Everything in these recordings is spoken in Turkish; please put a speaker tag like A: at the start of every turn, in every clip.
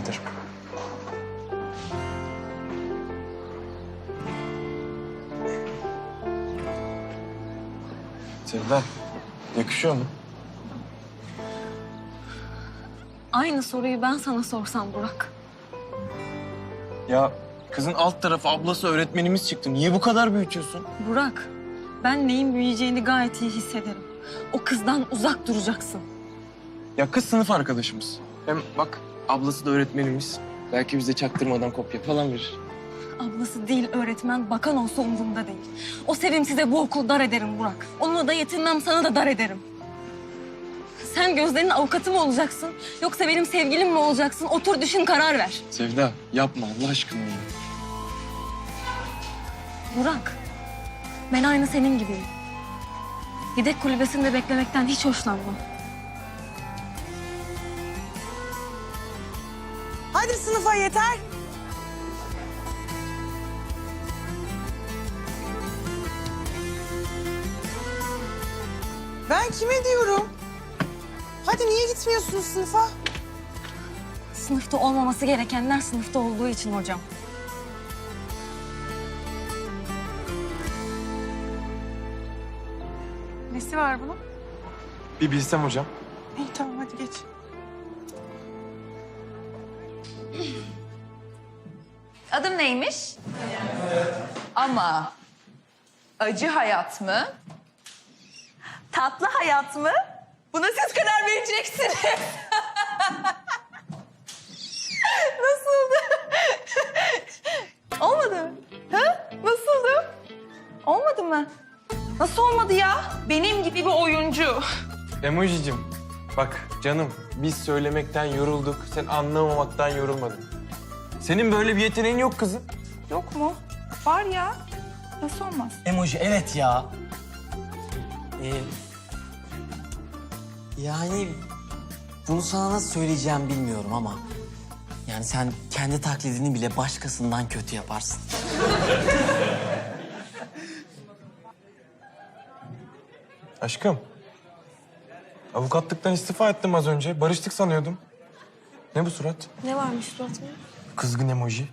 A: ederim. Sevda, yakışıyor mu?
B: Aynı soruyu ben sana sorsam Burak.
A: Ya kızın alt tarafı ablası öğretmenimiz çıktı. Niye bu kadar büyütüyorsun?
B: Burak, ben neyin büyüyeceğini gayet iyi hissederim. O kızdan uzak duracaksın.
A: Ya kız sınıf arkadaşımız. Hem bak ablası da öğretmenimiz. Belki bize çaktırmadan kopya falan verir.
B: Ablası değil öğretmen, bakan olsa umurumda değil. O sevimsize bu okul dar ederim Burak. Onunla da yetinmem, sana da dar ederim. Sen Gözde'nin avukatı mı olacaksın? Yoksa benim sevgilim mi olacaksın? Otur düşün, karar ver.
A: Sevda yapma Allah aşkına ya.
B: Burak, ben aynı senin gibiyim. Yedek kulübesinde beklemekten hiç hoşlanmam.
C: Hadi sınıfa yeter. Ben kime diyorum? Hadi niye gitmiyorsunuz sınıfa?
B: Sınıfta olmaması gerekenler sınıfta olduğu için hocam.
C: Nesi var bunun?
A: Bir bilsem hocam.
C: İyi tamam hadi geç.
D: Adım neymiş? Ama acı hayat mı? Tatlı hayat mı? Buna siz karar vereceksiniz. Nasıldı? Olmadı mı? Ha? Nasıldı? Olmadı mı? Nasıl olmadı ya? Benim gibi bir oyuncu.
A: Emojicim bak canım biz söylemekten yorulduk. Sen anlamamaktan yorulmadın. Senin böyle bir yeteneğin yok kızım.
D: Yok mu? Var ya. Nasıl olmaz?
E: Emoji evet ya. Yani bunu sana nasıl söyleyeceğim bilmiyorum ama... Yani sen kendi taklidini bile başkasından kötü yaparsın.
A: Aşkım. Avukatlıktan istifa ettim az önce. Barıştık sanıyordum. Ne bu surat?
B: Ne varmış suratımda?
A: Kızgın emoji.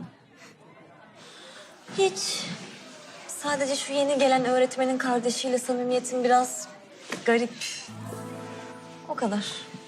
B: Hiç. Sadece şu yeni gelen öğretmenin kardeşiyle samimiyetim biraz garip. O kadar.